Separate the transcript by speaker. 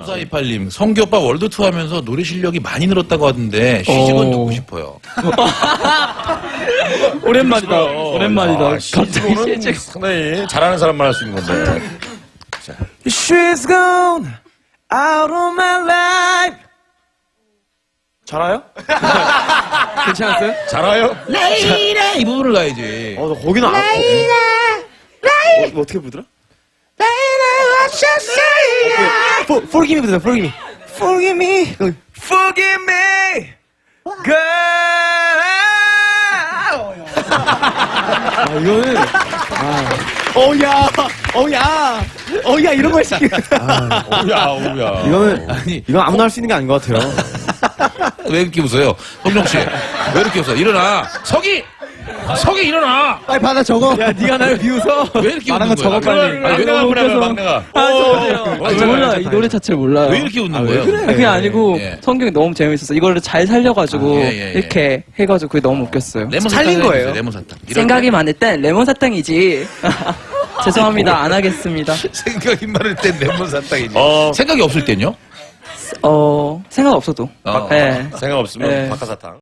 Speaker 1: 4428님, 성규오빠 월드투어 하면서 노래 실력이 많이 늘었다고 하던데, 시집은 듣고 싶어요.
Speaker 2: 오랜만이다. 오랜만이다.
Speaker 3: 시집은 상당히 잘하는 사람만 할 수 있는 건데.
Speaker 2: She's gone out of my life. 잘아요? 괜찮았어요?
Speaker 3: 잘해요?
Speaker 1: 라이라! 이 부분을 가야지.
Speaker 2: 나 거기는 안. 어떻게 부르더라? Forgive me, forgive me. Forgive me. Forgive me. Girl. 이거는. 어야, 이런 걸 시키는.
Speaker 3: 오야.
Speaker 2: 이거는,
Speaker 1: 아니,
Speaker 2: 이건 아무나 할 수 있는 게 아닌 것 같아요.
Speaker 1: 왜 이렇게 웃어요? 성룡 씨, 왜 이렇게 웃어? 일어나! 석이 일어나!
Speaker 2: 빨리 받아 적어. 야, 네가 나를 비웃어.
Speaker 1: 왜 이렇게
Speaker 2: 말한
Speaker 1: 웃는
Speaker 2: 거
Speaker 1: 거야?
Speaker 2: 적어, 빨리.
Speaker 3: 막내가 보내면 막내가.
Speaker 4: 몰라. 이 노래 자체를 몰라요.
Speaker 1: 왜 이렇게 웃는 거예요?
Speaker 4: 그게 아니고
Speaker 1: 예.
Speaker 4: 성경이 너무 재밌었어. 이거를 잘 살려가지고
Speaker 1: 예.
Speaker 4: 이렇게 해가지고 그게 너무 웃겼어요.
Speaker 1: 레몬
Speaker 2: 살린
Speaker 1: 사탕을
Speaker 2: 거예요.
Speaker 1: 해주세요, 레몬 사탕. 이럴
Speaker 4: 생각이 많을 땐 레몬 사탕이지. 죄송합니다. 안 하겠습니다.
Speaker 1: 때 생각이 많을 땐 레몬 사탕이지. 생각이 없을 땐요?
Speaker 4: 생각 없어도.
Speaker 1: 어.
Speaker 4: 네.
Speaker 3: 생각 없으면
Speaker 4: 네.
Speaker 3: 박하사탕.